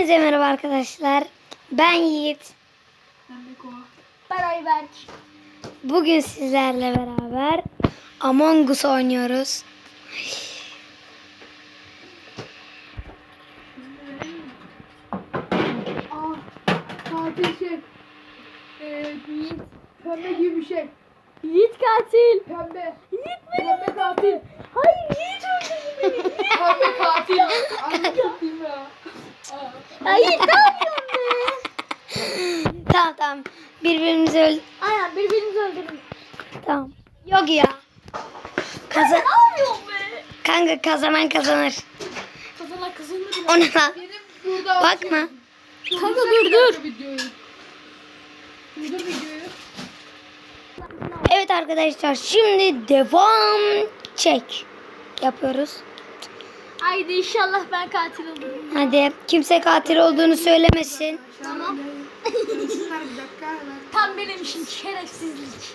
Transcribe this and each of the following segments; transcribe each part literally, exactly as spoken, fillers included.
Hepinize merhaba arkadaşlar. Ben Yiğit. Ben Beko. Ben Ayberk. Bugün sizlerle beraber Among Us oynuyoruz. Aa, katil şey. Ee, Yiğit. Pembe gibi bir şey. Yiğit katil. Pembe. Yiğit benim. Pembe katil. Hayır Yiğit öldürdü beni. Pembe katil. Anlatayım ya. Aa. Ya Yiğit ne yapıyorsun be? Tamam tamam. Birbirimizi öl... Aynen birbirimizi öldürdük. Tamam. Yok ya. Kazan... Ne yapıyorsun be? Kanka kazanan kazanır. Kazana kazanır. O ne lan? Benim burada... Bakma. Kanka dur dur. Videoyu. Durdur videoyu. Evet arkadaşlar şimdi devam çek yapıyoruz. Haydi inşallah ben katil olurum. Hadi kimse katil olduğunu söylemesin. Tamam. Dursunlar bir dakika hemen. Tam benim için şerefsizlik.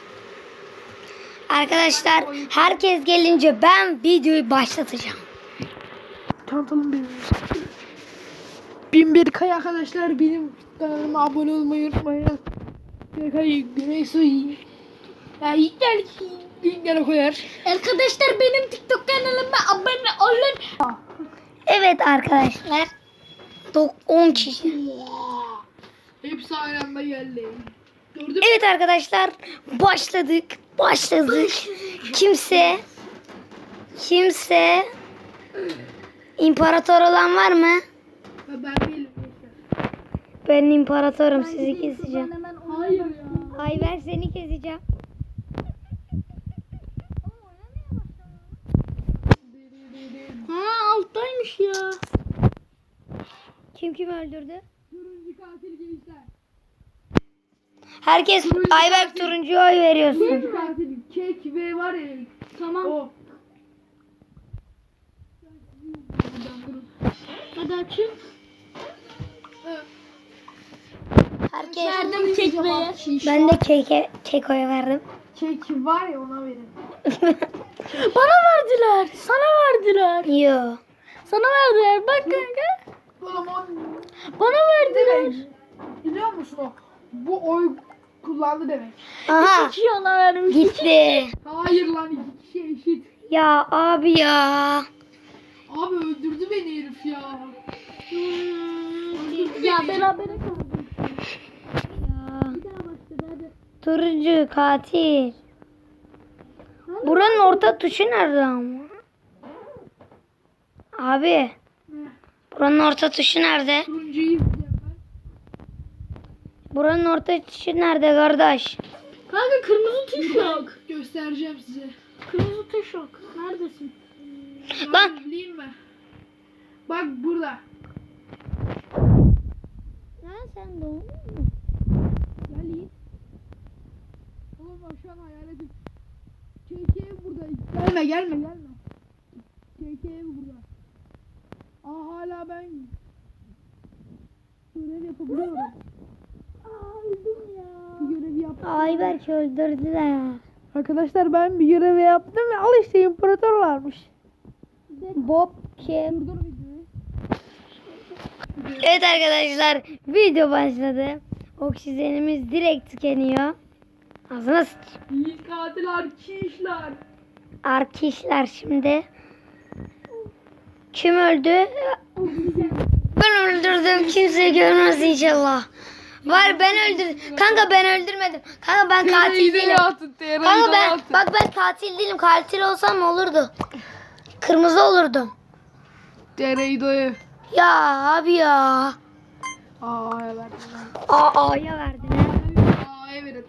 Arkadaşlar herkes gelince ben videoyu başlatacağım. Tanıtalım benim. Bin bir kay arkadaşlar, benim kanalıma abone olmayı unutmayın. Bir kay Güneysu ya ilkler linkleri koyar. Arkadaşlar benim TikTok kanalıma abone olun. Evet arkadaşlar. on kişi. Hepsi aynı anda geldi. Gördün mü? Evet arkadaşlar başladık. Başladık. Kimse kimse imparator olan var mı? Ben değilim. Ben imparatorum, sizi keseceğim. Hemen Hayır ya. Ayber seni keseceğim. Ha alttaymış ya. Kim kim öldürdü? Turuncu katil gençler. Herkes Ayber turuncuya oy veriyorsun. Turuncu katil. Kek ve var ya. Tamam. O. Hadi açın. Herkes Verdim kekmeye. ben de keke kekoya verdim. Kek var ya, ona verin. Bana verdiler. Sana verdiler. Yo. Sana verdiler. Bak kanka. Oğlum o Bana verdiler. demek. Biliyor musun o? Bu oy kullandı demek. Aha İki yana vermiş. gitti. Hayır lan, iki kişi eşit. Ya abi ya. Abi öldürdü beni herif ya. Hmm, ya berabere kaldık. Ya. Bir daha başladı hadi. Turuncu katil. Buranın orta tuşu nerede ama? Abi. Buranın orta tuşu nerede? Turuncuyu izleyeceğim ben. Buranın orta tuşu nerede kardeş? Kanka kırmızı tuş yok. Göstereceğim size. Kırmızı tuş yok. Neredesin? Lan. Bileyim mi? Bak burada. Lan sen doğdun mu? Gel Yiğit. Oğlum bak şu an hayaletim. K K ev burada. Gelme gelme gelme. K K ev burada. Aa hala ben görev yapabiliyorum. Aa öldüm ya. Bir görevi yaptım. Ayberk öldürdüler. Arkadaşlar ben bir görevi yaptım ve al işte imparator varmış. Bob kim? Dur videoyu. Evet arkadaşlar video başladı. Oksijenimiz direkt tükeniyor. Ağzına sıç. Yiğit katil arkadaşlar. Arkadaşlar şimdi. Kim öldü? Ben öldürdüm. Kimse görmez inşallah. Var ben öldürdüm. Kanka ben öldürmedim. Kanka ben katil değilim. Kanka ben bak ben katil değilim. Katil olsam olurdu. Kırmızı olurdum. Dereydo'yu. Ya abi ya. Aa evet. Aa A'ya verdin ha. A'ya verin.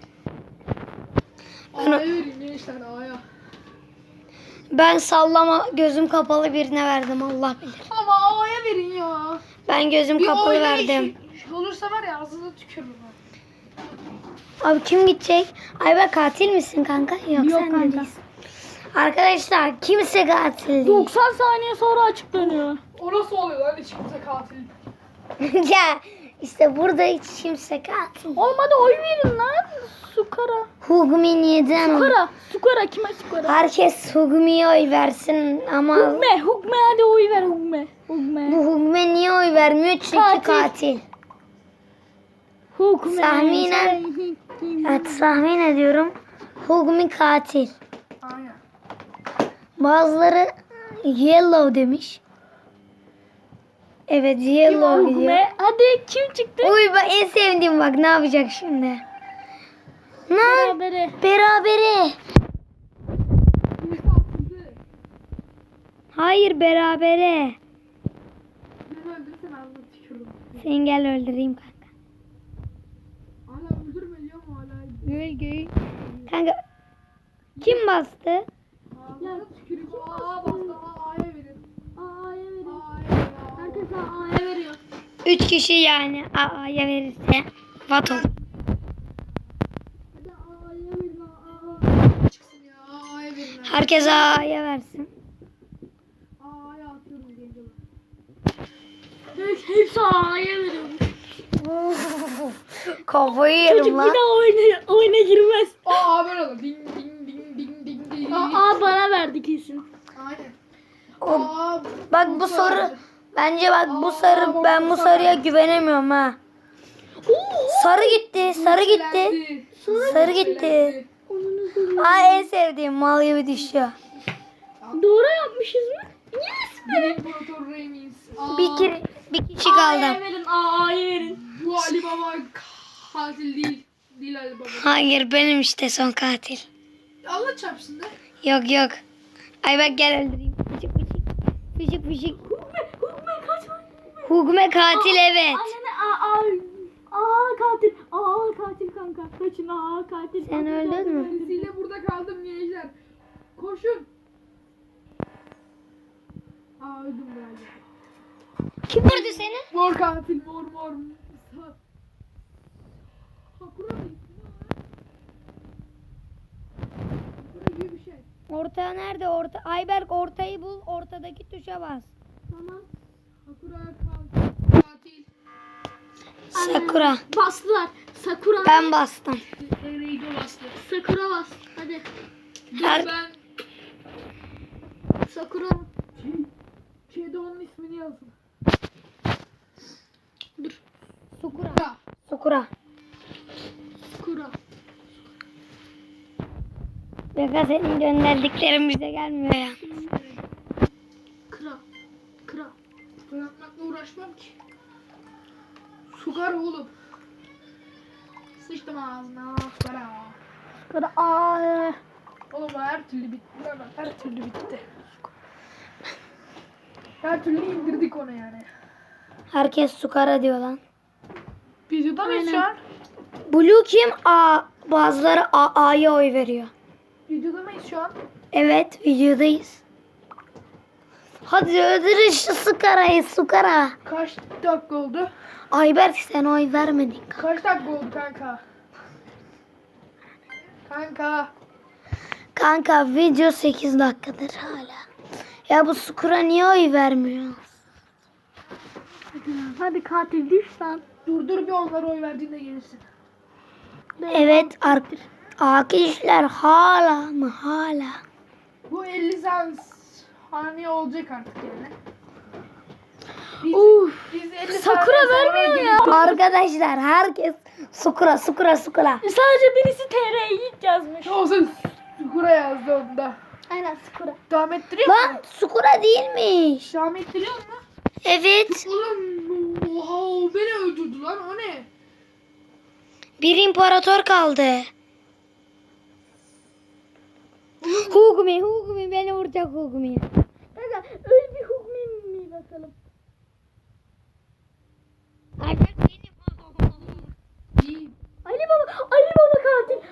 A'ya verin gençler, A'ya. Ben sallama gözüm kapalı birine verdim Allah bilir. Ama A'ya verin ya. Ben gözüm Bir kapalı oynayış verdim. olursa var ya, ağzına tükürürüm. Abi kim gidecek? Ayber katil misin kanka? Yok, Yok sen de kanka. değilsin. Arkadaşlar kimse katil değil. doksan saniye sonra açıklanıyor. O nasıl oluyor lan, hiç kimse katil? Ya işte burada hiç kimse katil. Olmadı oy verin lan. Sukara. Hugmi neden? Sukara. Sukara kime sukara? Herkes Hugmi'ye oy versin ama Hugme. Hugme hadi oy ver Hugme. Hugme. bu Hugme niye oy oy vermiyor çünkü Katil. katil. Hukme. Tahminen, evet tahmin ediyorum. Hugmi katil. Aynen. Bazıları yellow demiş. Evet yellow gidiyor. Hukme. Hadi kim çıktı? Uy bak en sevdiğim bak ne yapacak şimdi. Lan Berabere. berabere. Birisi atıldı. Hayır berabere. Beni öldürsen ağzına tükürdüm. Sen gel öldüreyim kanka. Hala öldürme diyor mu hala? Gül gül. Kanka kim bastı? Ağzına tüküreyim. Aa bastı. Aa A'ya verin. A'ya verin. A'ya verin. Aa. Herkes A'ya veriyor. Üç kişi yani A'ya verirse. Vato. Hadi A'ya verin. A'ya. Çıksın ya. A'ya verin. Herkes A'ya versin. A'ya atıyorum gençler. Hepsi A'ya veriyor. Kafayı Çocuk yerim bir lan. daha oyuna, oyuna girmez. Aa böyle oldu. Ding ding ding ding ding ding. Aa bana verdi kesin. Aynen. O- Aa, Bak bu soru bence bak bu sarı ben bu sarıya güvenemiyorum ha. Sarı gitti, sarı gitti. Sarı gitti. Aa en sevdiğim mal gibi düşüyor. Doğru yapmışız mı? Yes Bir be. imparator Remis. Aa, Bir, kere, bir kişi A'ya kaldı. verin. A'ya verin. Bu Ali Baba katil değil. Değil Ali Baba. Hayır benim işte son katil. Allah çarpsın da. Yok yok. Ay bak gel öldüreyim. Fışık fışık. Fışık fışık. Hukme. Hukme kaçma. Hugme katil evet. Aynen A. A. Aa katil. Aa katil kanka. Kaçın aa katil. Sen öldün mü? Birisiyle burada kaldım gençler. Koşun. Aa öldüm galiba. Kim vurdu seni? Mor katil mor mor. Sa- Sakura mı? Sakura gibi bir şey. Orta nerede? Orta. Ayberk ortayı bul. Ortadaki tuşa bas. Tamam. Sakura katil. Katil. Sakura. Bastılar. Sakura. Ben bastım. Reigo bastı. Sakura bas. Hadi. Her- Ben Sakura. şey, şeyde onun ismini yazın. Sakura. Ya. Sakura. Sakura. Beka senin gönderdiklerin bize gelmiyor ya. Kıra. Kıra. Bırakmakla uğraşmam ki. Sugar oğlum. Sıçtım ağzına. Para. Kıra. Aa. Oğlum her türlü bitti. Lan her türlü bitti. Her türlü indirdik onu yani. Herkes Sukara diyor lan. Videoda mıyız şu an? Blue kim? A. Bazıları A, A'ya oy veriyor. Videoda mıyız şu an? Evet videodayız. Hadi öldürün şu Sukara'yı Sukara. Kaç dakika oldu? Ayberk sen oy vermedin. Kaç dakika oldu kanka? Kanka. Kanka video sekiz dakikadır hala. Ya bu Sukura niye oy vermiyor? Hadi katil düş lan. Dur dur bir onlara oy verdiğinde gelirsin. Evet ar- arkadaşlar hala mı hala? Bu elli saniye olacak artık yani. Biz, Uf. biz elli Sakura saniye sonra vermiyor ya. geleceğiz. Arkadaşlar herkes Sukura Sukura Sukura. Sadece birisi T R Yiğit yazmış. Olsun. Sakura yazdı onda. Aynen Sakura. Devam ettiriyor mu? Lan Sukura değilmiş. Devam ettiriyor mu? Evet. Oğlum oha o beni öldürdü lan o ne? Bir imparator kaldı. Hugmi Hugmi beni vuracak Hugmi. Kanka öyle bir hukmi mi bakalım. Ayberk benim. İyi. Ali Baba, Ali Baba katil.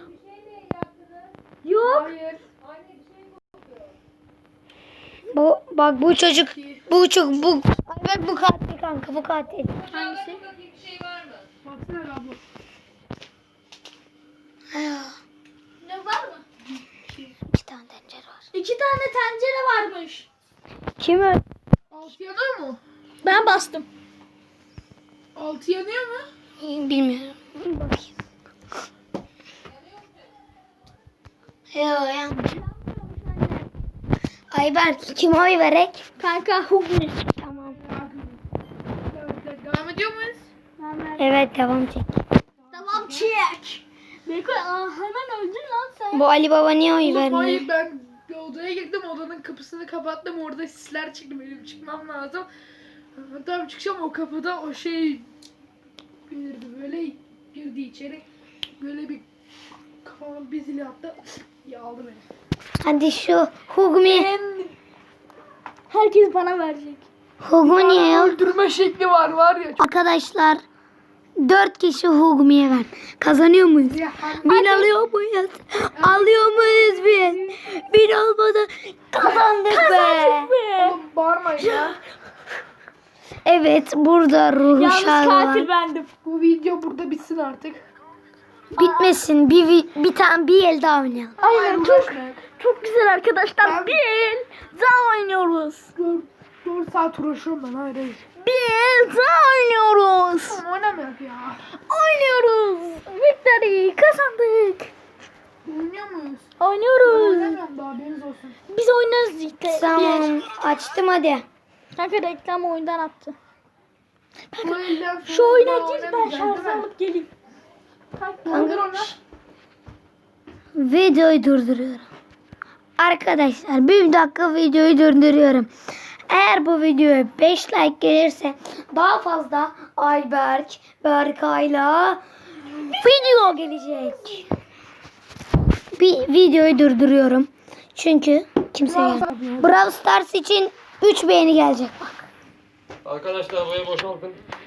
Yok. Hayır. Bu bak bu çocuk bu çocuk bu Ayberk bu katil kanka bu katil. Hangisi? Baksana abla. Ne var mı? İki tane tencere var. İki tane tencere varmış. Kim öldü? Altı yanıyor mu? Ben bastım. Altı yanıyor mu? Bilmiyorum. Bakayım. Yok yanmıyor. Ayberk kim oy verek? Kanka hukmi. Tamam. Evet. ediyor muyuz? Evet devam çek. Tamam çek. Beko aa, hemen öldün lan sen. Bu Ali Baba niye oy Oğlum vermiyor? hayır, ben bir odaya girdim, odanın kapısını kapattım, orada sisler çıktı, benim çıkmam lazım. Tam çıkacağım, o kapıda o şey girdi, böyle girdi içeri, böyle bir kafama bir zil attı, ya aldı beni. Hadi şu Hugmi. Herkes bana verecek. Hugmi niye ya? Öldürme şekli var var ya. Çok... Arkadaşlar dört kişi Hugmi'ye ver. Kazanıyor muyuz? Ya, Bin alıyor muyuz? Alıyor muyuz bin? Bin olmadı. Kazandık be. oğlum bağırmayın ya. Evet burada ruhu Yalnız şarkı katil var. bendim. Bu video burada bitsin artık. Bitmesin. Bir, vi- bir tane bir el daha oynayalım. Aynen çok uğraşmayın. çok güzel arkadaşlar. Ben- Bir el daha oynuyoruz. Dört, dört saat uğraşıyorum ben, hayır hayır. Bir el daha oynuyoruz. Tamam oynamıyorum ya. Oynuyoruz. Victory kazandık. Oynuyor muyuz? Ben Oynuyoruz. oynamıyorum daha, haberiniz olsun. Biz oynarız işte. Bir. Tamam açtım hadi. Kanka reklam oyundan attı. Bu elden sonra Şu oyuna daha gir, ben oynamayacağız, şarj değil mi? alıp geleyim. Kaldır onu. Videoyu durduruyorum. Arkadaşlar bir dakika videoyu durduruyorum. Eğer bu videoya beş like gelirse daha fazla Ayberk, Berkay'la video gelecek. Bir videoyu durduruyorum. Çünkü kimse gelmiyor. Brawl Stars için üç beğeni gelecek. Arkadaşlar burayı boşaltın.